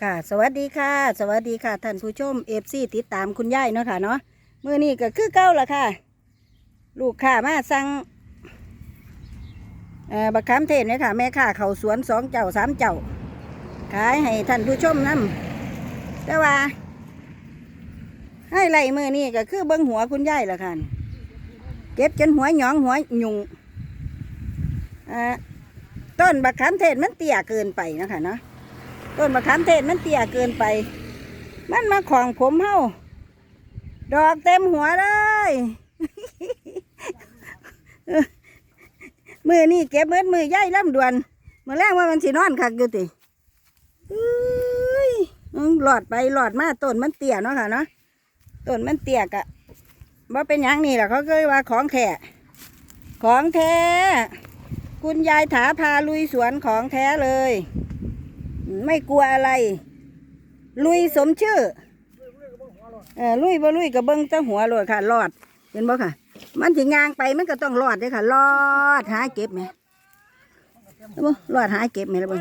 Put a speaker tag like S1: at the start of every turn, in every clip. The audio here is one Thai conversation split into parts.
S1: ค่ะสวัสดีค่ะสวัสดีค่ะท่านผู้ชมFCติดตามคุณยายเนาะค่ะเนาะมื้อนี้ก็คือเก่าละค่ะลูกค้ามาสั่งบักขามเทศเนี่ยค่ะแม่ค้าเขาสวน2 เจ้า 3 เจ้าขายให้ท่านผู้ชมนำแต่ว่าให้ไล่มื้อนี้ก็คือเบิ่งหัวคุณยายละค่ะเก็บจนหัวหยองหัวหยุ่งต้นบักขามเทศมันเตี้ยเกินไปนะคะเนาะต้นมะขามเทศมันเตี้ยเกินไปมันมาของผมเฮาดอกเต็มหัวเลยมือนี่เก็บมือย่ายลำดวนมาแรกว่ามันสินอนคักอยู่ติหลอดไปหลอดมาต้นมันเตี้ยเนาะค่ะเนาะต้นมันเตี้ยกะว่าเป็นอย่างนี้แหละเขาเคยว่าของแท้ของแท้คุณยายถาพาลุยสวนของแท้เลยไม่กลัวอะไรลุยสมชื่อลุยบ่ลุยกับเบิ้งตั้งหัวเลยค่ะรอดเห็นบ่ค่ะมันถึงยางไปมันก็ต้องรอดเลยค่ะรอดหาเก็บไหมรอดหาเก็บไหมล่ะเบิ้ง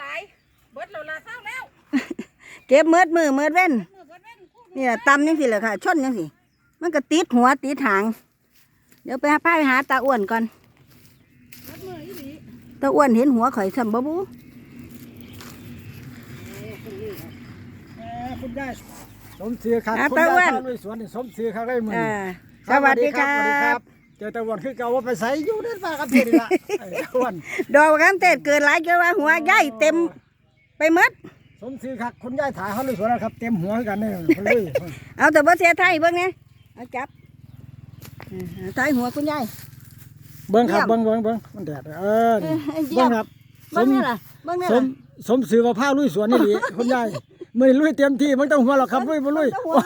S1: เก็บเมือเว้นนี่แหละตำยังสิเลยค่ะชนยังสิมันก็ติดหัวติดหางเดี๋ยวไปหาตาอ้วนก่อนตาอ้วนเห็นหัวข่อยซ้ำบ่บู
S2: คุณยายสมศรีครับคุณยายลุยสวนนี่สมศรีครับได้มือ
S1: สวัสดีครับ
S2: เจอตะวันคือเก่าว่าไปใส่อยู่ในป่าครับเพื่อนละตะวัน
S1: ดอกกันเตดเกิดหลายเกินว่าหัวใหญ่เต็มไปหมด
S2: สมศรีครับคุณยายถ่ายเขาลุยสวนนะครับเต็มหัวกันเนี่ยลุย
S1: เอาแต่บ่เสียไทยเบิ้งเนี่ยเอาจับถ่ายหัวคุณยาย
S2: เบิ้งครับเบิ้งมันแดดเบิ้งครับ
S1: เบิ้งนี่ล่ะเบิ้งนี่ล่ะ
S2: สมศรีว่าผ้าลุยสวนนี่คุณยายไม่ลุยเต็มที่ไม่ต้องหัวหรอกครับลุยมาลุย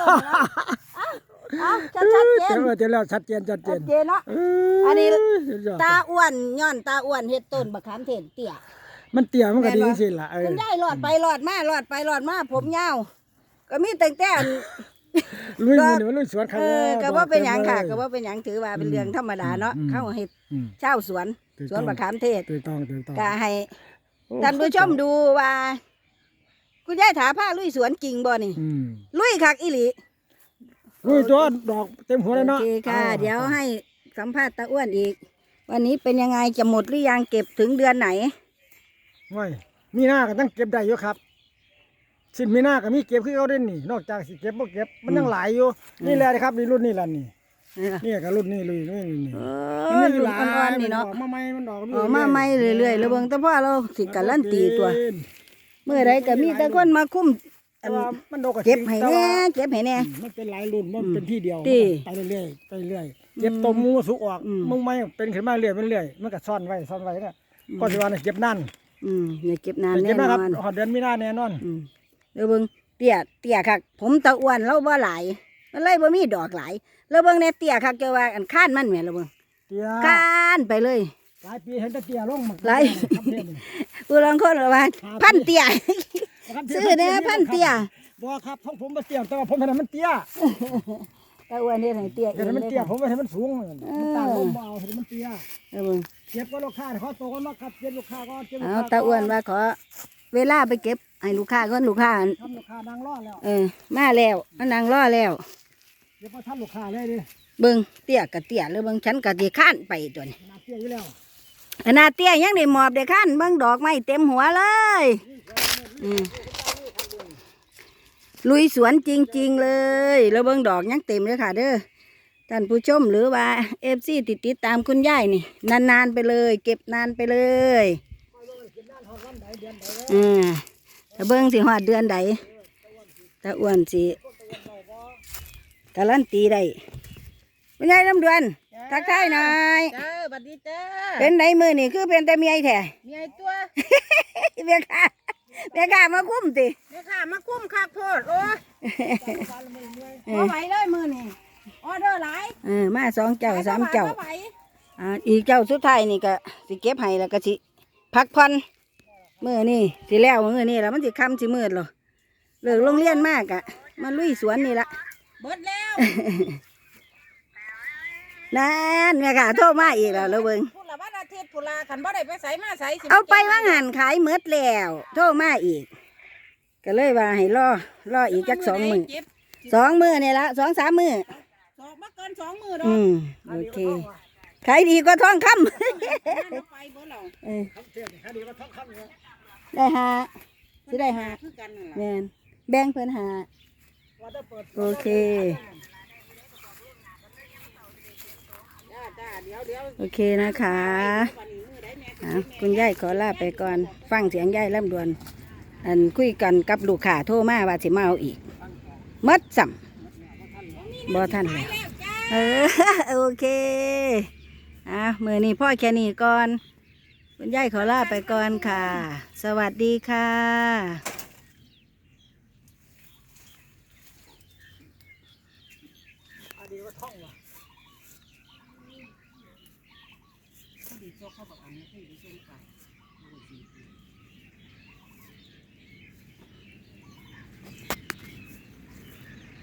S1: ชัดเจน
S2: เจอแล้วชัดเจน
S1: เนาะอันนี้ตาอ้วนย้อนตาอ้วนเฮ็ดต้นบักขามเทศเตี้ย
S2: มันเตี้ยมันก็ดีสิล่ะ
S1: คุณยายรอดไปรอดมาผมยาวก็มีแต่
S2: ลุยมันลุยสวน
S1: ก็ว่าเป็นหยังค่ะก็ว่าเป็นหยังถือว่าเป็นเรื่องธรรมดาเนาะเข้าเฮ็ดเช่าสวนบักขามเทศก็ให้ท่านผู้ชมดูว่าคุณยายถาผ้าลุยสวนจริงบ่นี่ลุยคักอีหลี
S2: ลุยตัวดอกเต็มหัวเลยเนาะ
S1: โอเคค่ะเดี๋ยวให้สัมภาษณ์ตาอ้วนอีกวันนี้เป็นยังไงจะหมดหรือยังเก็บถึงเดือนไหน
S2: ไม่มีหน้าก็ต้องเก็บได้อยู่ครับสิ้นมีหน้าก็มีเก็บคือเขาเด่นนี่นอกจากสิเก็บบ่เก็บมันยังหลายอยู่นี่แหละครับนี่รุ่นนี่แหละนี่ก็รุ่นนี่ลุยนี่
S1: มันรุ่นอ่อนๆนี่เนาะ
S2: มาใหม่มันดอก
S1: มาใหม่เรื่อยๆแล้วเบิ่งแต่พ่อเราสิการันตีตัวเมื่อไรก็มีแต่คนมาคุ้มเก็บให้แน่
S2: มันเป็นหลายรุ่นมันเป็นที่เดียวไปเรื่อยเก็บตัวมูสุกออกมึงไม่เป็นขึ้นมาเรื่อยมันก็ซ่อนไว้เนี่ยก็สิว่าเก็บนั่น
S1: เนี่ยเก็บนานแน่นอน
S2: เดือนมีนาแน่นอน
S1: เดี๋ยวเบิ่งเตี้ยคักผมตะอ้วนเราบ่หลายมันเลยบ่มีดอกหลายแล้วเบิ่งในเตี้ยคักเกี่ยวว่าอันค้านมันแม่แล้วเบิ่งค้านไปเลย
S2: หลายปีเห็นแต่เตี้ยลง
S1: หลายผู้ลางคนว่าพันเตี้ยซื้อเนี่ยพันเตี้ย
S2: บ่ครับผมมาเตี้ยแต่ว่าผมเห็นมันเตี้ย
S1: ตะอ้วนเฮ็ดให้เตี้ย
S2: เห็นมันเตี้ยผมเห็นมันสูงมันต่างลมเอาเห็นมันเตี้ย
S1: เบิ่ง
S2: เก็บก็ลูกค้าเขาโตกันมาครับเก็บลูกค้าก็เก็บ
S1: ตาอ้วนว่าขอเวลาไปเก็บให้ลูกค้าก่อนลูกค้า
S2: นั่งรอแล้ว
S1: มาแล้วนั่งรอแล้ว
S2: เดี๋ยวพอท่านลูกค้าเลยดิ
S1: เบิ่งเตี้ยกับเตี้ยแล้วเบิ่งฉันกับที่ข้านไปตัวนี้
S2: เตี้ยอยู่แล้ว
S1: ขนาดเตี้ยยังได้หมอบได้ข้านเบิ่งดอกไม้เต็มหัวเลยลุยสวนจริงๆเลยแล้วเบิ่งดอกยังเต็มเลยค่ะเด้อท่านผู้ชมหรือว่าFCติดตามคุณยายนี่นานๆไปเลยเก็บนานไปเลยถ้าเบิ่งสิฮอดเดือนใดตาอ้วนสิการันตีได้คุณยายลำดวนทักทายหน่อย
S3: สวัสดีจ้า
S1: เป็นไหนมือนี่คือเป็นแต่เมียแท้
S3: เมียตัว
S1: เมียข้ามาคุ้มติ
S3: เมียข้ามาคุ้มคักโพดโอ้ไหวเลยมือนี่ออเดอร์หลาย
S1: มา2 เจ้า 3 เจ้าอีกเจ้าสุดท้ายนี่ก็สิเก็บให้แล้วก็สิพักผ่อนมื้อนี่สิแล้วมื้อนี่แล้วมันสิค่ำสิมืดหรอเลิกโรงเรียนมากอะมาลุยสวนนี่ละ
S3: เบิดแล้ว
S1: นั่นแม่ค่ะโทรมาอีกแล้วเบิ่ง
S3: พูดละวันอาทิตย์พูดละขันบ่ได้ไปใส่มาใส่
S1: เอาไปว่างหันขายหมดแล้วโทรมาอีกก็เลยว่าให้รออีกจัก2 มื้อ
S3: เจ็บ
S1: 2 มื้อนี่ละ2-3 มื้อ
S3: สองบ่เกิน2 มื้อดอก
S1: โอเคขายดีกว่าทองคำ
S3: เอาไปเบ่เรา
S1: เออ
S2: ทำเสียงคดีว่าท้องคำเนี่ย
S1: ได้หาสิได้หา
S3: คือกันนั่นล่ะ
S1: แม่นแบ่งเพิ่นหา
S2: ว่าได้เปิด
S1: โอเค
S3: จ้าเดี๋ยว
S1: โอเคนะคะ
S3: วันนี้มื้อใดแม่
S1: คุณยายขอลาไปก่อน ฟังเสียงยายลำดวน อันคุยกันกับลูกค้าโทรมาว่าสิมาเอาอีกหมัดสัมบ่ทันแล้วเออ โอเคมือนี้พ่อแค่นี้ก่อน คุณยายขอลาไปก่อนค่ะ สวัสดีค่ะ
S2: คดีว่าท้องว่ะ
S3: พอดีโซเขาบอกอันนี้ที่ดิฉันไป